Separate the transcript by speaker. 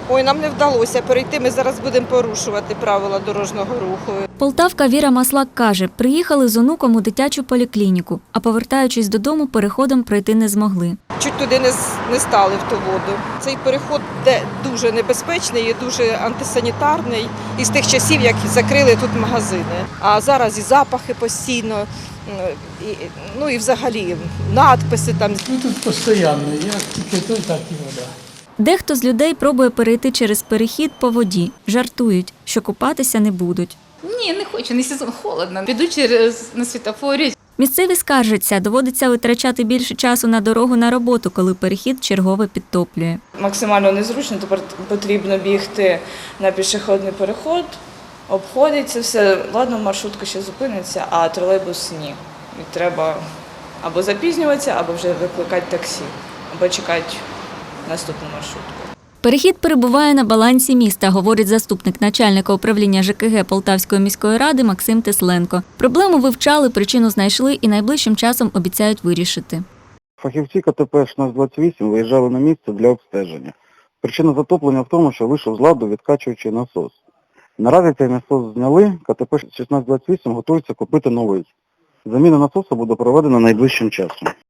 Speaker 1: Ой, нам не вдалося перейти, ми зараз будемо порушувати правила дорожнього руху.
Speaker 2: Полтавка Віра Маслак каже, приїхали з онуком у дитячу поліклініку, а повертаючись додому, переходом пройти не змогли.
Speaker 1: Чуть туди не стали в ту воду. Цей переход дуже небезпечний і дуже антисанітарний. Із тих часів, як закрили тут магазини. А зараз і запахи постійно, і взагалі надписи там.
Speaker 3: Тут постійно, як тільки той, так і вода.
Speaker 2: Дехто з людей пробує перейти через перехід по воді. Жартують, що купатися не будуть.
Speaker 4: Ні, не хочу, не сезон, холодно. Піду на світофорі.
Speaker 2: Місцеві скаржаться, доводиться витрачати більше часу на дорогу на роботу, коли перехід чергове підтоплює.
Speaker 5: Максимально незручно, тепер потрібно бігти на пішохідний переход, обходиться все. Ладно, маршрутка ще зупиниться, а тролейбус ні. І треба або запізнюватися, або вже викликати таксі, або чекати наступну маршрутку.
Speaker 2: Перехід перебуває на балансі міста, говорить заступник начальника управління ЖКГ Полтавської міської ради Максим Тесленко. Проблему вивчали, причину знайшли і найближчим часом обіцяють вирішити.
Speaker 6: Фахівці КТП 1628 виїжджали на місце для обстеження. Причина затоплення в тому, що вийшов з ладу відкачуючий насос. Наразі цей насос зняли, КТП 1628 готується купити новий. Заміна насосу буде проведена найближчим часом.